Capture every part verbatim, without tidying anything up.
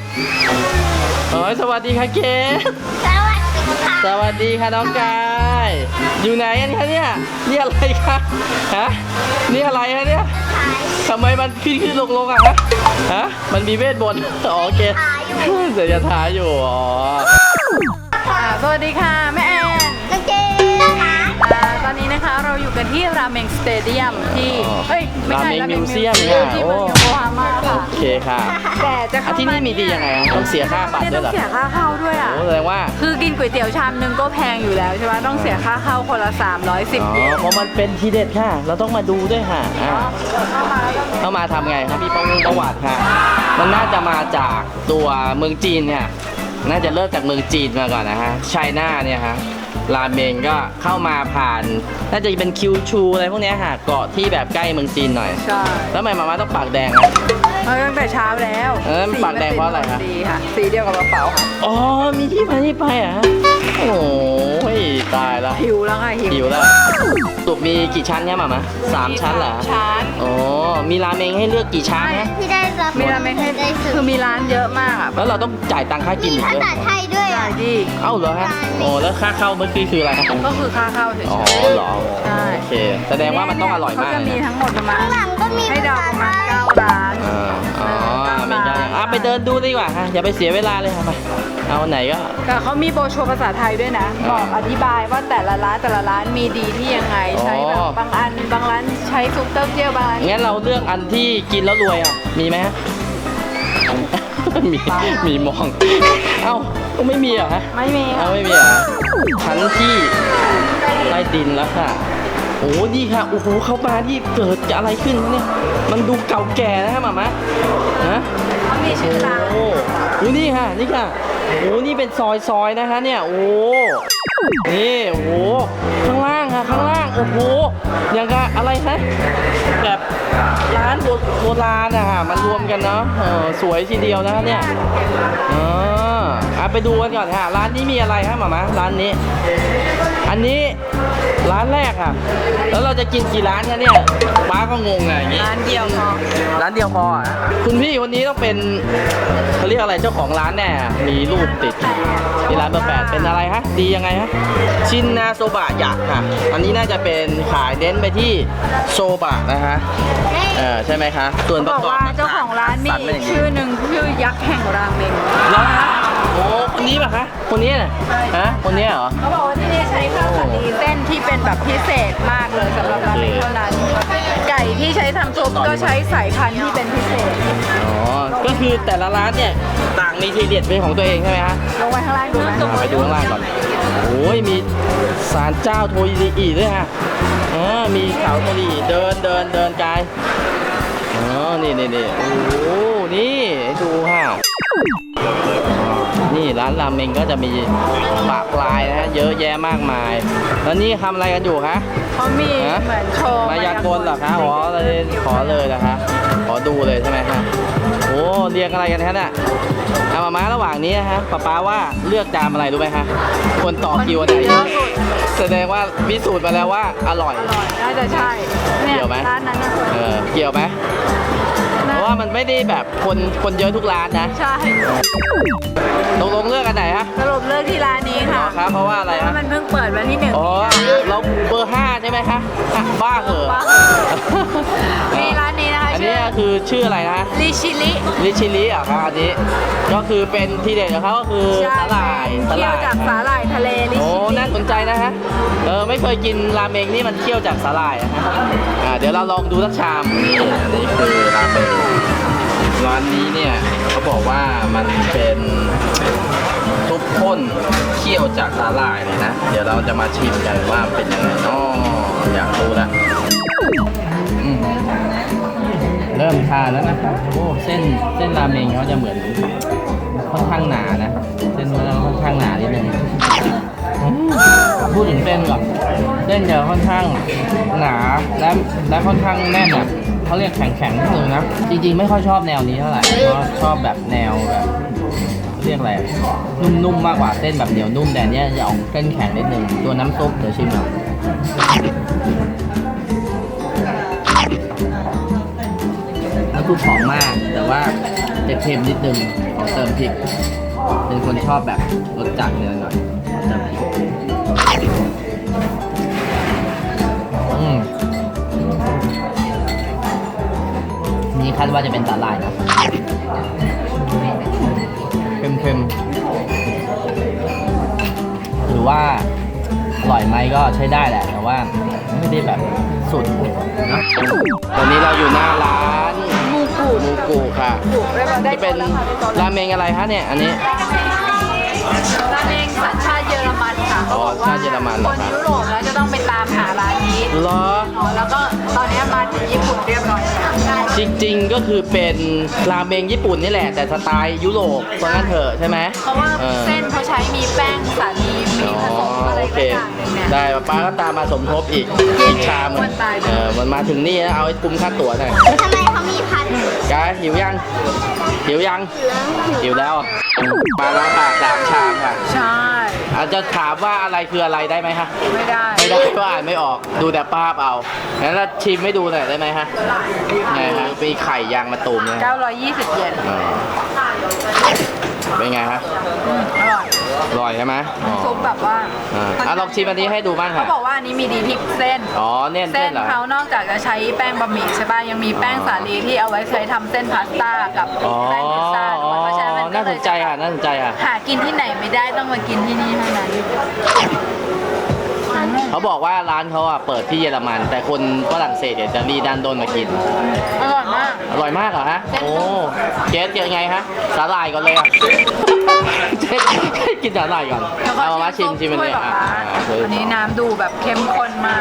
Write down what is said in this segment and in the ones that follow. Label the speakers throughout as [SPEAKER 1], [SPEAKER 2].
[SPEAKER 1] โอ้ยสวัสดีค่ะเกศ
[SPEAKER 2] สวัสดีค่ะ
[SPEAKER 1] สวัสดีค่ะน้องกายอยู่ไหนกันคะเนี่ยนี่อะไรคะฮะนี่อะไรคะเนี่ยทำไมมันขึ้นขึ้นลงลงอะฮะฮะมันมีเวทมนต์อ๋อโอเคเดี๋ยวจะท้าอยู่อ๋อ
[SPEAKER 3] สวัสดีค่ะแม่แอน
[SPEAKER 2] น้องเจนะคะ
[SPEAKER 3] อ่าตอนนี้นะคะเราอยู่กันที่ราเมงสเตเดียมที่เฮ้ยไม่
[SPEAKER 1] รา
[SPEAKER 3] ใช่
[SPEAKER 1] เมง
[SPEAKER 3] ราเม
[SPEAKER 1] มิ
[SPEAKER 3] ง
[SPEAKER 1] ว
[SPEAKER 3] มิว
[SPEAKER 1] เซี
[SPEAKER 3] เซี
[SPEAKER 1] ย
[SPEAKER 3] ย
[SPEAKER 1] ม
[SPEAKER 3] ม
[SPEAKER 1] ค่ะ
[SPEAKER 3] ที่
[SPEAKER 1] โอ้
[SPEAKER 3] เมืองโยโกฮาม่าค่ะ
[SPEAKER 1] โอเคค่ะ
[SPEAKER 3] แต่จะ
[SPEAKER 1] อ่ะ
[SPEAKER 3] เข้า
[SPEAKER 1] ที่นี่มีดียังไงอะต้องเสียค่าบัตรด้วยเหรอ
[SPEAKER 3] ต้องเสียค่าเข้าด้วยอ่ะ
[SPEAKER 1] โอ้แสดงว่า
[SPEAKER 3] คือกินก๋วยเตี๋ยวชามนึงก็แพงอยู่แล้วใช่ไหมต้องเสียค่าเข้าคนละสามร้อยสิบ
[SPEAKER 1] อ๋อ
[SPEAKER 3] เยน
[SPEAKER 1] เพราะมันเป็นทีเด็ดค่ะ เราต้องมาดูด้วยค่ะอ่า
[SPEAKER 3] เข้ามาแล้วก็
[SPEAKER 1] เข้ามาทำไงครับมีประวัติประวัติค่ะ มันน่าจะมาจากตัวเมืองจีนเนี่ย น่าจะเริ่มจากเมืองจีนมาก่อนนะฮะไชน่าเนี่ยฮะ ราเมงก็เข้ามาผ่าน น่าจะเป็นคิวชูอะไรพวกเนี้ยค่ะ เกาะที่แบบใกล้เมืองจีนหน่อย
[SPEAKER 3] ใช่
[SPEAKER 1] แล้วทำไมมาม่าต้องปากแดงอะ
[SPEAKER 3] เอาตั้งแต่เช้าแล้ว
[SPEAKER 1] เออปากแดงเพราะอะไรคะ
[SPEAKER 3] สีค่ะสีเดียวกับกระเป๋าค่ะ
[SPEAKER 1] อ๋อ มีที่มาที่ไปเหรอ่ะโอ้ยตายละ
[SPEAKER 3] หิวแล้วค่ะหิว
[SPEAKER 1] หิวแล้วตุกมีกี่ชั้นเนี่ยหมามาสามชั้นเหรอ
[SPEAKER 3] ชั้น
[SPEAKER 1] อ๋อ มีราเมงให้เลือกกี่ชั้นนะ
[SPEAKER 2] ที่ได้รับ
[SPEAKER 3] มีราเมงให้
[SPEAKER 2] ได้สุด
[SPEAKER 3] คือมีร้านเยอะมากอ่ะ
[SPEAKER 1] แล้วเราต้องจ่ายตังค่ากิน
[SPEAKER 2] มี
[SPEAKER 1] อีก
[SPEAKER 2] ภา
[SPEAKER 1] ด้วย
[SPEAKER 2] ษาไทยด้วย
[SPEAKER 3] ใช่
[SPEAKER 2] อ่ะ
[SPEAKER 3] ดิ
[SPEAKER 1] เอ้าเหรอฮะโอ้แล้วค่าเข้าเมื่อกี้คืออะไรครับ
[SPEAKER 3] ก็คือค่าเข้าเฉย
[SPEAKER 1] อ๋อ
[SPEAKER 3] ๆ
[SPEAKER 1] เหรอ
[SPEAKER 3] ใช่
[SPEAKER 1] โอเค แสดงว่ามันต้องอร่อยมาก
[SPEAKER 3] เขาจะมี
[SPEAKER 1] เลยนะ
[SPEAKER 3] ทั้งหมดประมาณ
[SPEAKER 2] ข้างหลังก็มี
[SPEAKER 3] ให้เดาประมาณเก้าร้าน
[SPEAKER 1] อ่าอ๋อไม่ใช่อ่ะไปเดินดูดีกว่าฮะอย่าไปเสียเวลาเลยค่ะไปเอาไหนก็
[SPEAKER 3] แต่เขามีโบรชัวร์ภาษาไทยด้วยนะ บอกอธิบายว่าแต่ละร้านแต่ละร้านมีดีที่ยังไง ใช้แบบ
[SPEAKER 1] อ๋อ
[SPEAKER 3] บางอันบางร้านใช้ซุปเต้าเจี้ยวบางร้าน
[SPEAKER 1] งั้นเราเลือกอันที่กินแล้วรวยอ่ะ มีไหมฮะ มี มีมอง เอ้าก็ไม่มีเหรอฮะ
[SPEAKER 3] ไม่มี
[SPEAKER 1] เอา
[SPEAKER 3] ค่ะ
[SPEAKER 1] ไม่มีเหรอชั้นที่ใต้ดินแล้วค่ะ โอ้ดีค่ะ โอ้โห เข้ามาที่เกิดอะไรขึ้นวะเนี่ย มันดูเก่าแก่นะฮะหมามะฮะ
[SPEAKER 3] เขามีชื่อร้าน
[SPEAKER 1] โอ้โหนี่ค่ะ นี่ค่ะ โอ้นี่เป็นซอยซอยๆนะคะเนี่ย โอ้ นี่ โอ้โห ข้างล่างค่ะ ข้างล่าง โอ้โห อย่างกับอะไรคะแบบร้านโบโบราณอะค่ะมันรวมกันเนาะเออสวยทีเดียวนะคะเนี่ยเอออ่ะไปดูกันก่อนค่ะ ร้านนี้มีอะไรคะหมามะร้านนี้ อันนี้ร้านแรกค่ะ แล้วเราจะกินกี่ร้านคะเนี่ยป้าก็งงอะอย่างงี้
[SPEAKER 3] ร้านเดียวพอ
[SPEAKER 1] ร้านเดียวพออ่ะคุณพี่คนนี้ต้องเป็นเขาเรียกอะไรเจ้าของร้านแน่อะมีรูปติดที่ร้านเบอร์แปดเป็นอะไรฮะดียังไงฮะชินนาโซบะยักษ์ค่ะ อันนี้น่าจะเป็นขายเน้นไปที่โซบะนะคะเออใช่ไหมคะส่วนป
[SPEAKER 3] บ
[SPEAKER 1] ระ
[SPEAKER 3] อก
[SPEAKER 1] กอบ
[SPEAKER 3] ว่าเจ้าของร้านมี
[SPEAKER 1] สัตว์เป็
[SPEAKER 3] อี
[SPEAKER 1] น
[SPEAKER 3] ก
[SPEAKER 1] ย่าง
[SPEAKER 3] ชื่อหนึ่งชื่อยักษ์แห่งราเมง
[SPEAKER 1] แล้วฮะโอ้คนนี้ป่ะคะคนนี้น่ะฮะคนนี้เหรอ
[SPEAKER 3] เขาบอกว่าที่นี่ใช้ข้าวสาลีเส้นที่เป็นแบบพิเศษมากเลยสำหรับราเมงเท่านั้น ไก่ที่ใช้ทำซุปก็ใช้สายพันธุ์ที่เป็นพิเศษ
[SPEAKER 1] อ๋อก็คือแต่ละร้านเนี่ยต่างมีทีเด็ดเป็นของตัวเองใช่ไหมฮะ
[SPEAKER 3] ลงไปข้างล่างดูไหม
[SPEAKER 1] อ่าไปดูข้างล่างก่อน โอ้ย มีศาลเจ้าโทอิริอิด้วยฮะอ่ามีเขาโทริอิเดินเดินเดินกายอ๋อ นี่นี่นี่โอ้โห นี่ให้ดูฮะนี่ร้านราเมงก็จะมีปะปลายนะฮะ เยอะแยะมากมาย แล้วนี่ทำอะไรกันอยู่คะ
[SPEAKER 3] เขามี
[SPEAKER 1] ฮะ
[SPEAKER 3] เหมือนโชว์
[SPEAKER 1] มายากลเหรอคะอ๋อเลยขอเลยนะคะขอดูเลยใช่ไหมคะโอ้เรียงอะไรกันคะเนี่ยเอามาม้าระหว่างนี้นะฮะป๊าป๊าว่าเลือกจามอะไรรู้ไหมคะคนต่อคิวอันไหน
[SPEAKER 3] เยอะสุด
[SPEAKER 1] แสดงว่าพิสูจน์มาแล้วว่าอร่อย
[SPEAKER 3] อร่อยน่าจะใช่เนี่ย
[SPEAKER 1] เกี่ยวไหม
[SPEAKER 3] ร้านนั้นนะ
[SPEAKER 1] เออเกี่ยวไหมเพราะว่ามันไม่ได้แบบคนคนเยอะทุกร้านนะ
[SPEAKER 3] ใช่
[SPEAKER 1] ตกลงเลือกอันไหนฮะ
[SPEAKER 3] สรุปเลือกที่ร้านนี้
[SPEAKER 1] อ๋
[SPEAKER 3] ค่ะ
[SPEAKER 1] อครับเพราะว่าอะไร
[SPEAKER 3] เพ
[SPEAKER 1] ฮะ
[SPEAKER 3] ราะมันเพิ่งเปิดวันที่หนึ่ง
[SPEAKER 1] อ๋อเราเบอร์ห้าใช่ไหมคะอ่ะบ้าเหอะ
[SPEAKER 3] มีร้านนี้นะคะ
[SPEAKER 1] อัน
[SPEAKER 3] ชื่
[SPEAKER 1] นี้
[SPEAKER 3] อ
[SPEAKER 1] คือชื่ออะไรนะ
[SPEAKER 3] ลิชิลิ
[SPEAKER 1] ลิชิลิอ่ะครับอันนี้ก็คือเป็นทีเด็ดของเขาก็คือสาหร่ายสาห
[SPEAKER 3] เคี่ยว
[SPEAKER 1] ร่าย
[SPEAKER 3] จากสาหร่ายทะเลลิ
[SPEAKER 1] โอ้
[SPEAKER 3] ชิลิ
[SPEAKER 1] น่าสนใจนะฮะเออไม่เคยกินราเมงนี่มันเคี่ยวจากสาหร่ายอะฮะอ่าเดี๋ยวเราลองดูสักชามนี่อันนี้คือราเมงร้านนี้เนี่ยเขาบอกว่ามันเป็นซุปข้นเคี่ยวจากสาหร่ายเลยนะเดี๋ยวเราจะมาชิมกันว่าเป็นยังไงน้ออยากรู้ละอืม เริ่มทานแล้วนะครับโอ้เส้นเส้นราเมงเขาจะเหมือนค่อนข้างหนานะเส้นมันค่อนข้างหนานิดนึงอืมพูดถึงเส้นก่อนเส้นจะค่อนข้างหนาและและค่อนข้างแน่นอ่ะเขาเรียกแข็งแข็งนิดนึงนะจริงๆไม่ค่อยชอบแนวนี้เท่าไหร่เพราะชอบแบบแนวแบบเรียกอะไรนุ่มๆมากกว่าเส้นแบบเหนียวนุ่มแต่เนี้ยจะออกเส้นแข็งนิดนึงตัวน้ำซุปเดี๋ยวชิมหน่อย น้ำซุปซุปหอมมาก แต่ว่าจะเค็มนิดนึงขอเติมพริก เป็นคนชอบแบบรสจัดเนื้อหน่อยขอเติมพริกอืมนี่คาดว่าจะเป็นสาหร่ายนะเค็มๆหรือว่าอร่อยไหมก็ใช้ได้แหละ แต่ว่าไม่ได้แบบสุดนะตอนนี้เราอยู่หน้าร้าน
[SPEAKER 3] มูกู
[SPEAKER 1] มูกุค่ะ
[SPEAKER 3] กูได้มาได้
[SPEAKER 1] ที่เป็นราเมงอะไรคะเนี่ย อันนี้
[SPEAKER 3] ราเมงสัญชาติเยอรมันค่ะ
[SPEAKER 1] อ๋อชาติเยอรมันเหร
[SPEAKER 3] ค
[SPEAKER 1] อน ครับ
[SPEAKER 3] ยุโรปแล้วจะต้องไปตามหาร้านนี้
[SPEAKER 1] เหรอ
[SPEAKER 3] แล้วก็ตอนนี้มาถึงญี่ปุ่นเรียบร้อยแล้ว
[SPEAKER 1] จริงๆ ก็คือเป็นราเมงญี่ปุ่นนี่แหละ แต่สไตล์ยุโรปเพราะงั้นเถอะใช่ไหม
[SPEAKER 3] เพราะว่า
[SPEAKER 1] ออ
[SPEAKER 3] เส้นเขาใช้มีแป้งสาลีมี
[SPEAKER 1] อ๋อ
[SPEAKER 3] ผสมอะไร
[SPEAKER 1] โอเค
[SPEAKER 3] ก็อย่างหนึงเนี่ย
[SPEAKER 1] ได้ป้าก็ตามมาสมทบอีกอีกชามหนึ่งเออมันมาถึงนี่แล้วเอาให้คุ้มค่าตั๋วหน่อย
[SPEAKER 2] ทำไมเขามีพัน
[SPEAKER 1] กายหิวยัง หิวยัง หิวแล้วอ่ะมาแล้วค่ะสามชามค่ะ
[SPEAKER 3] ใช่
[SPEAKER 1] อาจจะถามว่าอะไรคืออะไรได้ไหมคะ
[SPEAKER 3] ไม่ได้
[SPEAKER 1] ไม่ได้ก็อ่านไม่ออก ดูแต่ภาพเอางั้นเราชิมให้ดูหน่อยได้ไหมฮะไงฮะมีไข่ยางมะตูมเนี่ย
[SPEAKER 3] เก้าร้อยยี่สิบเยน
[SPEAKER 1] เออเป็นไงฮะ
[SPEAKER 3] อืมอร่อย
[SPEAKER 1] อร่อยใช่ไหมอ๋อ
[SPEAKER 3] ซุปแบบว่า
[SPEAKER 1] อ่าอ่ะลองชิมอันนี้ให้ดูบ้าง
[SPEAKER 3] เขา
[SPEAKER 1] ค่ะ
[SPEAKER 3] บอกว่าอันนี้มีดีที่เส้น
[SPEAKER 1] อ๋อเน้น
[SPEAKER 3] เส้
[SPEAKER 1] เส้
[SPEAKER 3] น
[SPEAKER 1] นเหรอ
[SPEAKER 3] เขานอกจากจะใช้แป้งบะหมี่ใช่ป่ะยังมีแป้งสาลีที่เอาไว้ใช้ทำเส้นพาสต้ากับ
[SPEAKER 1] อ๋อ
[SPEAKER 3] แป้งพิซซ่าด้วยเพราะฉะนั้นมันก็
[SPEAKER 1] น่า
[SPEAKER 3] เล
[SPEAKER 1] ส
[SPEAKER 3] ย
[SPEAKER 1] นใจค่ะน่าสนใจค่ะ
[SPEAKER 3] หากินที่ไหนไม่ได้ต้องมากินที่นี่เท่านั้น
[SPEAKER 1] เขาบอกว่าร้านเขาอ่ะเปิดที่เยอรมัน แต่คนฝรั่งเศสเนี่ยจะรีดันโดนมากิน
[SPEAKER 3] อร่อยมาก
[SPEAKER 1] อร่อยมากเหรอฮะ โอ้เจ๊เจอไงฮะ สาหร่ายก่อนเลยอ่ะ เจ๊กินสาหร่ายก่อน
[SPEAKER 3] แล้วก็
[SPEAKER 1] เอามาชิมชิมอัน
[SPEAKER 3] ถ้วย
[SPEAKER 1] นี้
[SPEAKER 3] แบบ
[SPEAKER 1] อ่ะ
[SPEAKER 3] ว่า
[SPEAKER 1] อ่ะ
[SPEAKER 3] อันนี้น้ำดูแบบเข้มข้นมาก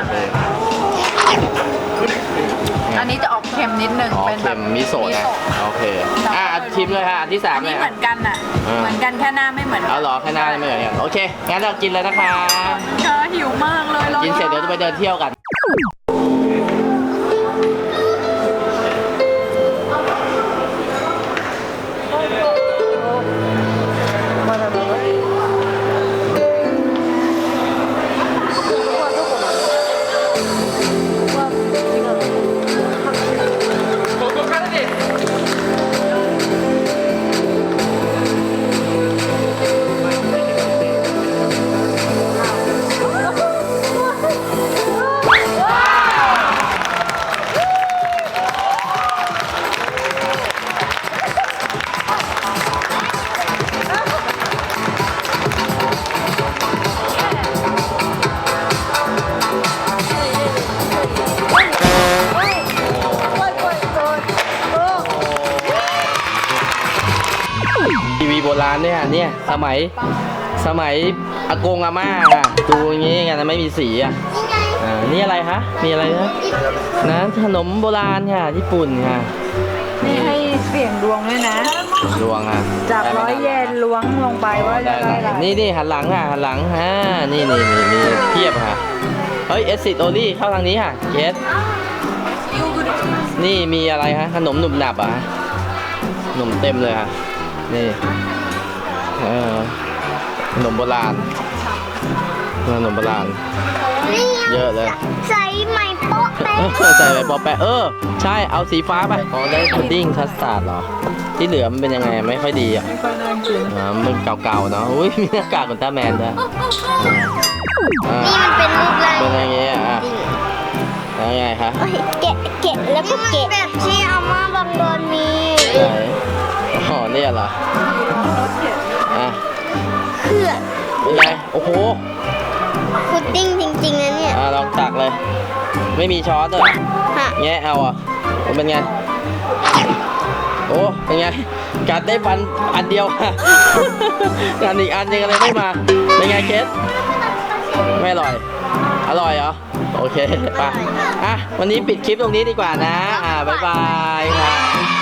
[SPEAKER 3] อันนี้จะออกเค็มนิดนึง
[SPEAKER 1] อ๋อ
[SPEAKER 3] เป็นแบ
[SPEAKER 1] เค็
[SPEAKER 3] บ
[SPEAKER 1] มมิโซะนะโอเค อ่ะชิมเลยค่ะอันที่สาม
[SPEAKER 3] อัน
[SPEAKER 1] เล
[SPEAKER 3] นี้
[SPEAKER 1] ย
[SPEAKER 3] เห
[SPEAKER 1] อ่ะ
[SPEAKER 3] มือนกันอ่ะ
[SPEAKER 1] อ่า
[SPEAKER 3] เหมือนกันแค่หน้าไม่เหมือนกั
[SPEAKER 1] เอาเหรอแค่หน้าไม่เหมือนกันโอเค งั้นเรากินเลยนะคะ
[SPEAKER 3] เธอหิวมากเลย
[SPEAKER 1] กินเสร็จเดี๋ยวจะไปเดินเที่ยวกัน ทีวีโบราณเนี่ยเนี่ยสมัยสมัยอากงอาม่าค่ะดูอย่างงี้กันนะไม่มีสีอ่ะอ่านี่อะไรคะมีอะไรนะนะขนมโบราณค่ะญี่ปุ่นค่ะ
[SPEAKER 3] นี่ให้เสี่ยงดวงด้วยนะ
[SPEAKER 1] ดวงอ่ะ
[SPEAKER 3] จาก
[SPEAKER 1] ได้ไหม
[SPEAKER 3] ร้อยเยนล้วงลงไปว่าจะ
[SPEAKER 1] ได้
[SPEAKER 3] ได้
[SPEAKER 1] ไหม
[SPEAKER 3] อะไร
[SPEAKER 1] นี่นี่หันหลังค่ะหันหลังอ่านี่นี่นี่มีเทียบค่ะเฮ้ยเอสซิดโอลี่เข้าทางนี้ค่ะเอสนี่มีอะไรฮะขนมหนุบหนับอ่ะขนมเต็มเลยค่ะนี่เออขนมโบราณขนมโบราณ
[SPEAKER 2] นี่
[SPEAKER 1] เยอะเลย
[SPEAKER 2] ใส่ใหม่โป๊ะเป๊ะ
[SPEAKER 1] เออใส่ไปปอแปะเออ ใช่เอาสีฟ้าไปอ๋อได้พุดดิ้งคัสตาร์ดเหรอ ที่เหลือมันเป็นยังไงไม่ค่อยดีอ่ะ
[SPEAKER 3] ไม่ค่อยน่ากิน
[SPEAKER 1] อ่ามันเก่าๆเนาะอุ้ยมีหน้ากากขนตาแมนด้วยอ่า
[SPEAKER 2] นี่มันเป็นรูปร่าง
[SPEAKER 1] เป็นอย่างเงี้ยอ่ะแล้วไงคะ
[SPEAKER 2] โอ้ยแกะแกะแล้วก็แกะแบบที่อาม่าบางโดนมี
[SPEAKER 1] ไหนอ๋อเนี่ยเหรออ่ะ
[SPEAKER 2] เพื่อน
[SPEAKER 1] เป็นไงโอ้โห
[SPEAKER 2] พุดดิ้งจริงๆนะเนี่ย
[SPEAKER 1] อ่ะลองตักเลย ไม่มีช้อนด้วยเหรอ
[SPEAKER 2] ฮะ
[SPEAKER 1] แงะเอาอ่ะมันเป็นไงโอ้เป็นไงกัดได้ฟันอันเดียวค่ะอันอีกอันยังอะไรไม่มาเป็นไงเคสไม่อร่อย อร่อยเหรอโอเคไปอ่ะวันนี้ปิดคลิปตรงนี้ดีกว่านะอ่าบ๊ายบายค่ะ